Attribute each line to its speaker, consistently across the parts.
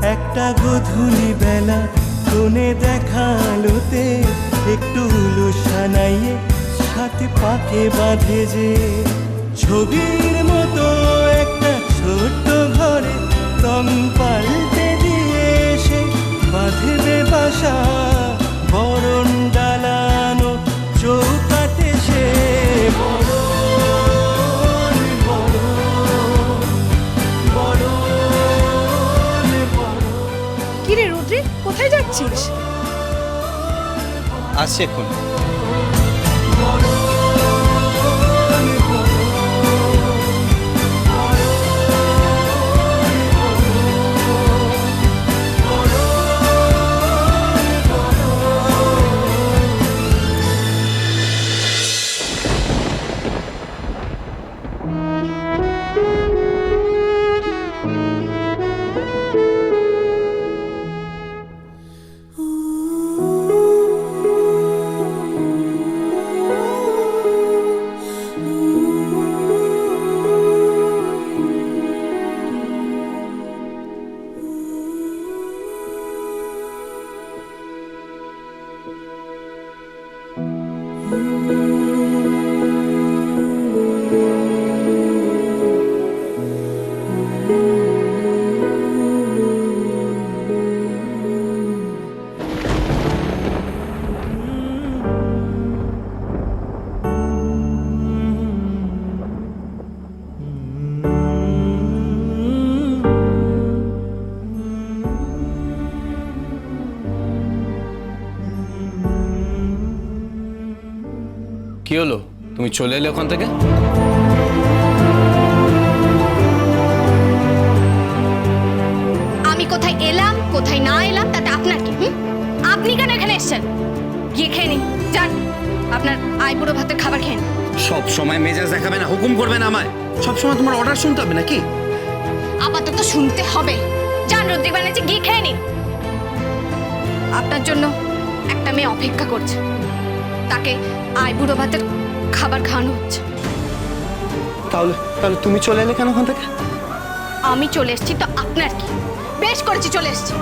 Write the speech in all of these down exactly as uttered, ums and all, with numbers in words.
Speaker 1: একটা গধূলি বেলা কোণে দেখা আলোতে একটু উলু সানাইয়ে সাথে পাকে বাঁধে যে ছবির মতো একটা ছোট্ট ঘরে রং পাল্টে দিয়ে এসে বাঁধবে বাসা বরণ ডালানো চৌকাটে সে বরণ বরণ বরণ বরণ।
Speaker 2: কিরে রুদ্রি, কোথায় যাচ্ছিস?
Speaker 3: আসছে এখন। কি হলো, তুমি চলে এলে ওখান থেকে?
Speaker 4: আমি কোথায় এলাম কোথায় না এলাম তাতে আপনার কি? আপনি কেন এখানে এসেছেন? গিয়ে খেয়ে নিন, যান আপনার আইবুড়ো ভাতের খাবার খেয়ে নিন।
Speaker 3: সব সময় মেজাজ দেখাবে না, হুকুম করবে না আমায়। সব সময় তোমার অর্ডার শুনতে হবে নাকি?
Speaker 4: আপাতত শুনতে হবে। যান রুদ্রিক ব্যানার্জি, গিয়ে খেয়ে নিন। আপনার জন্য একটা মেয়ে অপেক্ষা করছে, তাকে আইবুড়ো ভাতের খাবার খাওয়ানো হচ্ছে।
Speaker 3: তাহলে তাহলে তুমি চলে এলে কেন ওখান থেকে?
Speaker 4: আমি চলে এসেছি তো আপনার কি? বেশ করেছি, চলে এসেছি।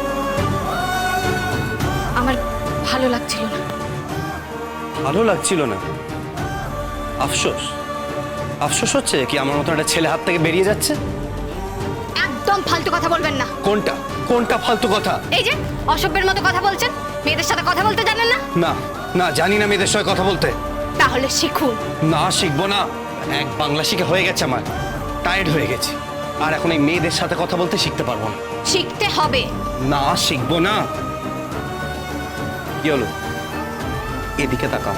Speaker 4: আমার ভালো লাগছিল না।
Speaker 3: ভালো লাগছিল না? আফসোস আফসোস হচ্ছে কি আমার মতো একটা ছেলে হাত থেকে বেরিয়ে যাচ্ছে?
Speaker 4: একদম ফালতু কথা বলবেন না।
Speaker 3: কোনটা কোনটা ফালতু কথা?
Speaker 4: এই যে অসভ্যের মতো কথা বলছেন। মেয়েদের সাথে কথা বলতে জানেন না?
Speaker 3: না না, জানি না মেয়েদের সঙ্গে কথা বলতে।
Speaker 4: তাহলে শিখুন।
Speaker 3: না, শিখবো না। এক বাংলা শিখে হয়ে গেছে আমার, টায়ার্ড হয়ে গেছি। আর এখন এই মেয়েদের সাথে কথা বলতে শিখতে পারবো না।
Speaker 4: শিখতে হবে।
Speaker 3: না, শিখবো না। কি হলো, এদিকে তাকাও।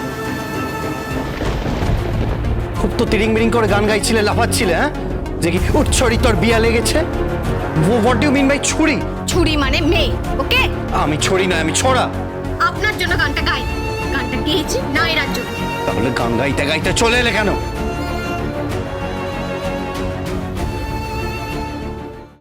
Speaker 3: খুব তো তিরিং বিরিং করে গান গাইছিলে, লাফাচ্ছিলে, হ্যাঁ? যে কি উচ্ছরি তোর বিয়া লেগেছে? What do you mean by ছুরি?
Speaker 4: ছুরি মানে মেয়ে, ওকে?
Speaker 3: আমি ছড়ি না, আমি ছড়া।
Speaker 4: আপনার জন্য গানটা গাই, গানটা গেয়েছি নায়রার জন্য।
Speaker 3: তাহলে গান গাইতে গাইতে চলে এলে কেন?